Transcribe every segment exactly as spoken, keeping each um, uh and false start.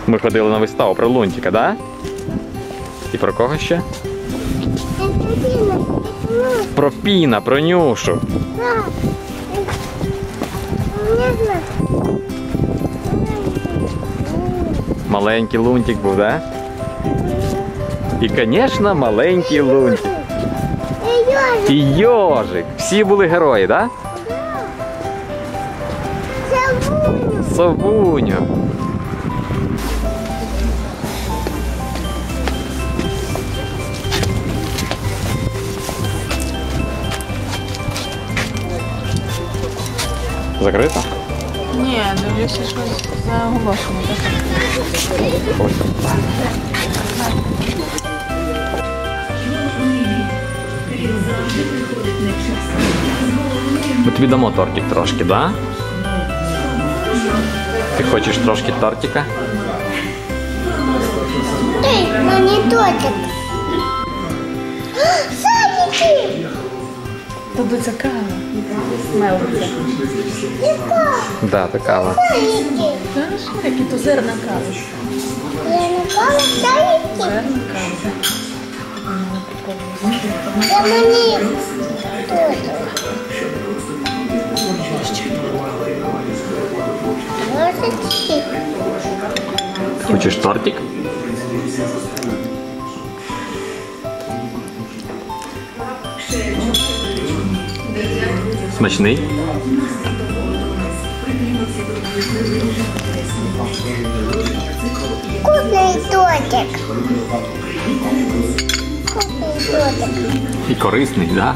Ми ходили на виставу про Лунтика, да? І про кого ще? Про Піна, про Нюшу. Маленький Лунтик був, да? І, звісно, маленький Лунтик. І Йожик. Всі були герої, да? Совуню. Совуню. Закрито? Ні, дивлюся, що заголошено. Ми тобі дамо тортик трошки, да? Ти хочеш трошки тортика? Ей, мені тортик. Садики! Тобі це кава. Мелиться. Яка? Да, то кава. Садики. Знаєш, які то зерна кави. Я не кава, садики. Зерна кава. Я мені тортик. Ложечки. Хочеш тортик? Смачний? Вкусний тортик. Вкусний тортик. І корисний, да?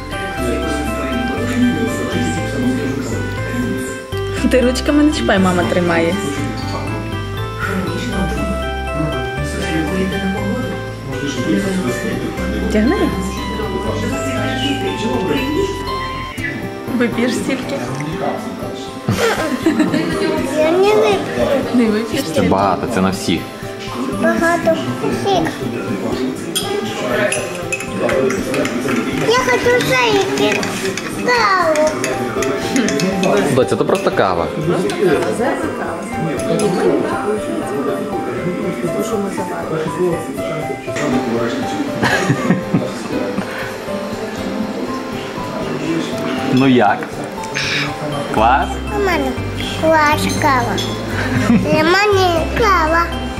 Ти ручками не чіпай, мама тримає. Тягни. Вип'єш стільки? Я не вип'ю. Не вип'єш Це стільки? багато, це на всіх. Багато всіх. Я хочу садики. Каву. Доця, це просто кава. Зерна кава. Що ми заварили? Ну як? Клас? У мене клас кава. Для мене кава.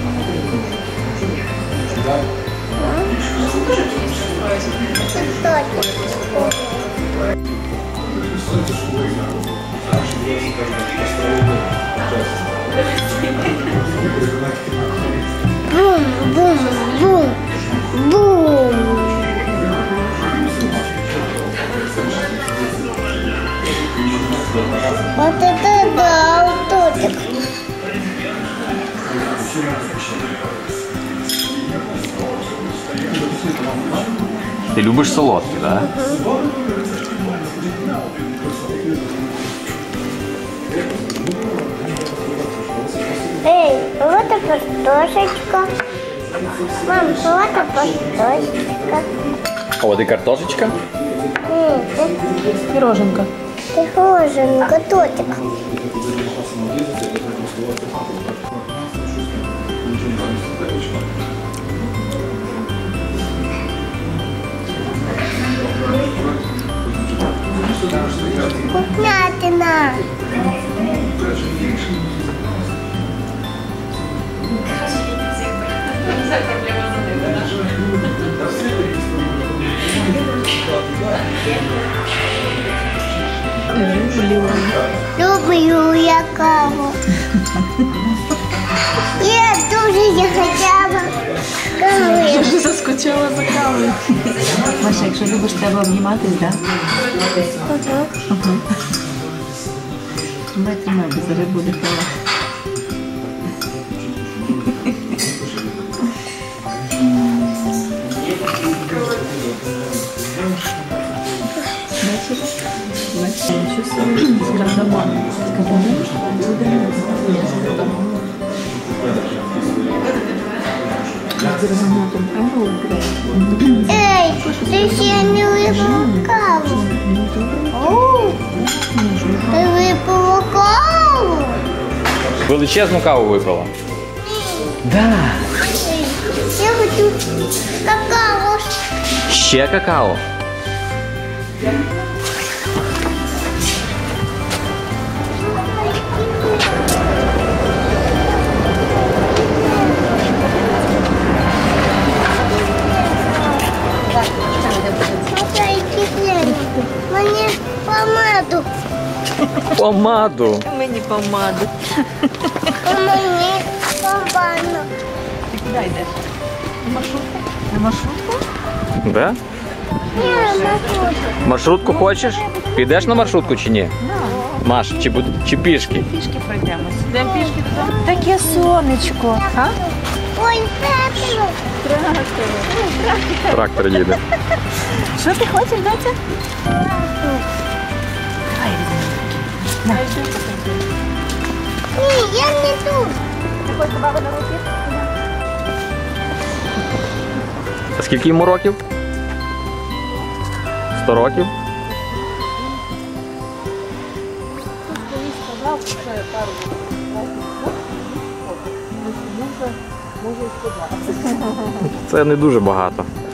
Бум, бум, бум, бум. Вот это да, тортик. Ти любиш солодкі, так? Да? Эй, вот и картошечка. Мам, вот и картошечка. От і картошечка. Піроженка. Пироженка, тортик. Вкуснятина. Люблю я каву. Я дуже захотіла кави. Я вже заскочила за кавою. Маша, якщо любиш, треба обніматись, так? Ага. Тримай, тримай, бо зараз буде кава. Бачиш? Бачиш? Що собі? З кардамоном. З кардамоном? З бергамотом каву вибирай. Ей, ти ще не випила каву. Оу, ти випила каву? Величезну каву випила. Да. Я хочу какао. Ще какао. Мені помаду. Помаду. Мені помаду. А мені помаду. Ти куди йдеш? На маршрутку? На маршрутку? Да? Ні, маршрутку. Маршрутку хочеш? Підеш на маршрутку чи ні? На. Маш, чи, буд- чи пішки? Пішки пройдемось. Йдемо пішки додому. Таке сонечко. А? Ой, тату. Трактор їде. Що ти хочеш, доця? Давай візьмемо. Ні, я не тут. Ти хочеш до баби на руки? А скільки йому років? Сто років? Це не дуже багато.